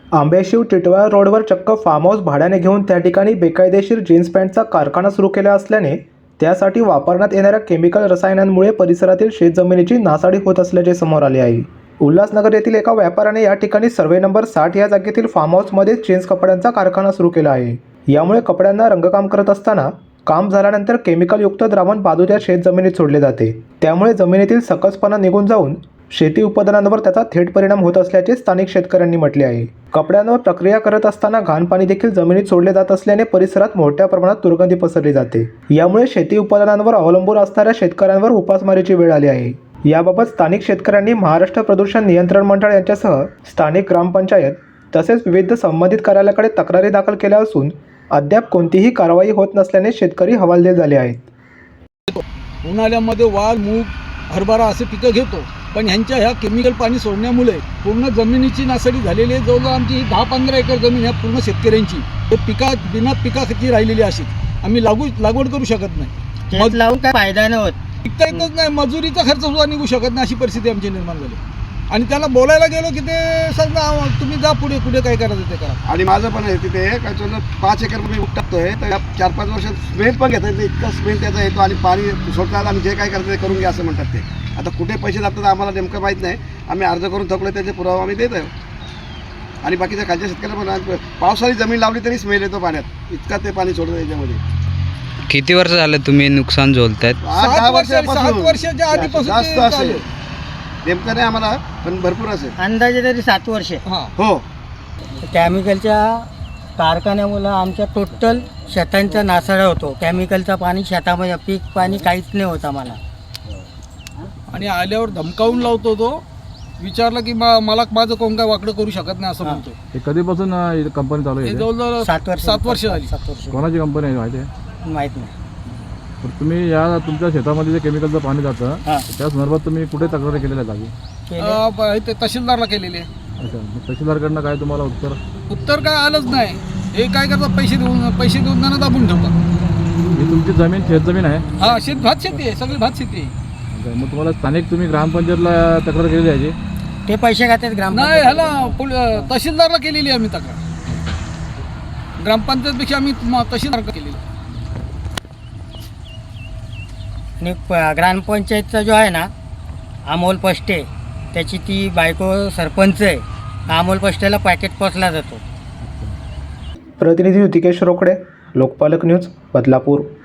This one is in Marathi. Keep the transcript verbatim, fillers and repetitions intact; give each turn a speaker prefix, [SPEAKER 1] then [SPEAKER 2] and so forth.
[SPEAKER 1] आंबेशिव टिटवाळा रोडवर चक्क फार्म हाऊस भाड्याने घेऊन त्या ठिकाणी बेकायदेशीर जीन्स पॅन्टचा कारखाना सुरू केला असल्याने त्यासाठी वापरण्यात येणाऱ्या केमिकल रसायनांमुळे परिसरातील शेतजमिनीची नासाडी होत असल्याचे समोर आले आहे। उल्हासनगर येथील एका व्यापाऱ्याने या ठिकाणी सर्वे नंबर साठ या जागेतील फार्म हाऊसमध्ये जीन्स कपड्यांचा कारखाना सुरू केला आहे। यामुळे कपड्यांना रंगकाम करत असताना काम झाल्यानंतर केमिकलयुक्त द्रावण बाजूच्या शेतजमिनीत सोडले जाते। त्यामुळे जमिनीतील सकसपणा निघून जाऊन शेती उत्पादनांवर त्याचा थेट परिणाम होत असल्याचे स्थानिक शेतकऱ्यांनी म्हटले आहे। कपड्यांवर प्रक्रिया करत असताना घाण पाणी देखील जमिनीत सोडले जात असल्याने परिसरात मोठ्या प्रमाणात दुर्गंधी पसरली जाते। यामुळे शेती उत्पादनांवर अवलंबून असणाऱ्या शेतकऱ्यांवर उपासमारीची वेळ आली आहे। याबाबत स्थानिक शेतकऱ्यांनी महाराष्ट्र प्रदूषण नियंत्रण मंडळ यांच्यासह स्थानिक ग्रामपंचायत तसेच विविध संबंधित कार्यालयाकडे तक्रारी दाखल केल्या असून अद्याप कोणतीही कारवाई होत नसल्याने शेतकरी हवालदिल झाले आहेत।
[SPEAKER 2] उन्हाळ्यामध्ये वाल, मूग, हरभरा असे पिकं घेतो, पण ह्यांच्या ह्या केमिकल पाणी सोडण्यामुळे पूर्ण जमिनीची नासाडी झालेली आहे। जवळजवळ आमची दहा पंधरा एकर जमीन ह्या पूर्ण शेतकऱ्यांची हे पिका बिना पिकाची राहिलेली अशीच आम्ही लागू लागवड करू शकत नाही।
[SPEAKER 3] मग लावून काय फायदा नाही होत,
[SPEAKER 2] पिकता येतच नाही, मजुरीचा खर्च सुद्धा निघू शकत नाही, अशी परिस्थिती आमची निर्माण झाली। आणि त्याला बोलायला गेलो की ते सर ना तुम्ही जा पुढे कुठे काय करायचं ते करा।
[SPEAKER 4] आणि माझं पण आहे तिथे काय चाललं पाच एकर मी टाकतोय, तर चार पाच वर्षात स्मेल पण घेता येते, इतका स्मेल त्याचा येतो आणि पाणी सोडतात आणि जे काय करतात ते करून घ्या असं म्हणतात ते। आता कुठे पैसे लागतात आम्हाला नेमकं माहीत नाही, आम्ही अर्ज करून थकलो त्याचे पुरावा आम्ही देत आहे। आणि बाकीच्या खालच्या शेतकऱ्यांना पण पावसाळी जमीन लावली तरी स्मेल येतो पाण्यात, इतका ते पाणी सोडतं त्याच्यामध्ये।
[SPEAKER 5] किती वर्ष झालं तुम्ही नुकसान झोलतायत?
[SPEAKER 4] आठ दहा वर्षापासून
[SPEAKER 2] सात वर्षाच्या आधीपासून
[SPEAKER 4] जास्त
[SPEAKER 2] ते
[SPEAKER 4] असेल,
[SPEAKER 2] चालू.
[SPEAKER 4] नेमकं नाही आम्हाला पण भरपूर असेल।
[SPEAKER 3] अंदाजे तरी सात वर्षे।
[SPEAKER 2] हां
[SPEAKER 4] हो,
[SPEAKER 3] केमिकलच्या कारखान्यामुळं आमच्या टोटल शेतांचा नासाडा होतो। केमिकलचं पाणी शेतामध्ये पीक पाणी काहीच नाही होत आम्हाला।
[SPEAKER 2] आणि आल्यावर धमकावून लावतो तो, विचारलं की मा- मला माझं कोण काय वाकडं करू शकत नाही असं म्हणतो।
[SPEAKER 6] हे कधीपासून कंपनी चालू
[SPEAKER 2] हे
[SPEAKER 6] आहे?
[SPEAKER 2] जवळजवळ
[SPEAKER 3] सात वर्ष
[SPEAKER 2] सात वर्ष झाली।
[SPEAKER 3] सात वर्ष
[SPEAKER 6] कोणाची कंपनी आहे माहिती आहे?
[SPEAKER 3] माहीत नाही।
[SPEAKER 6] तर तुम्ही या तुमच्या शेतामध्ये जे केमिकलचं पाणी जातं
[SPEAKER 3] हां
[SPEAKER 6] त्या संदर्भात तुम्ही कुठे तक्रारी केलेल्या जागी?
[SPEAKER 3] केले।
[SPEAKER 2] अं, ब- इथे तहसीलदारला केलेले आहे।
[SPEAKER 6] अच्छा, मग तहसीलदारकडनं काय तुम्हाला उत्तर?
[SPEAKER 2] उत्तर काय आलंच नाही। हे काय करतात, पैसे देऊन पैसे देऊन त्यांना दाबून ठेवतात।
[SPEAKER 6] ही तुमची जमीन शेतजमीन आहे?
[SPEAKER 2] हा शेत भात शेती आहे, सगळी भात शेती आहे।
[SPEAKER 6] अच्छा, मग तुम्हाला स्थानिक तुम्ही ग्रामपंचायतला तक्रार केली याची?
[SPEAKER 3] ते पैसे खातात ग्राम
[SPEAKER 2] नाही, ह्याला पोल- तहसीलदारला केलेली आहे आम्ही तक्रार, ग्रामपंचायतपेक्षा आम्ही म- तहसीलदारला केलेली आहे।
[SPEAKER 3] आणि प- ग्रामपंचायतचा जो आहे ना अमोल पष्टे, त्याची ती बायको सरपंच आहे। अमोल पष्टेला पॅकेट पोचला जातो।
[SPEAKER 1] प्रतिनिधी ऋतिकेश रोकडे, लोकपालक न्यूज, बदलापूर।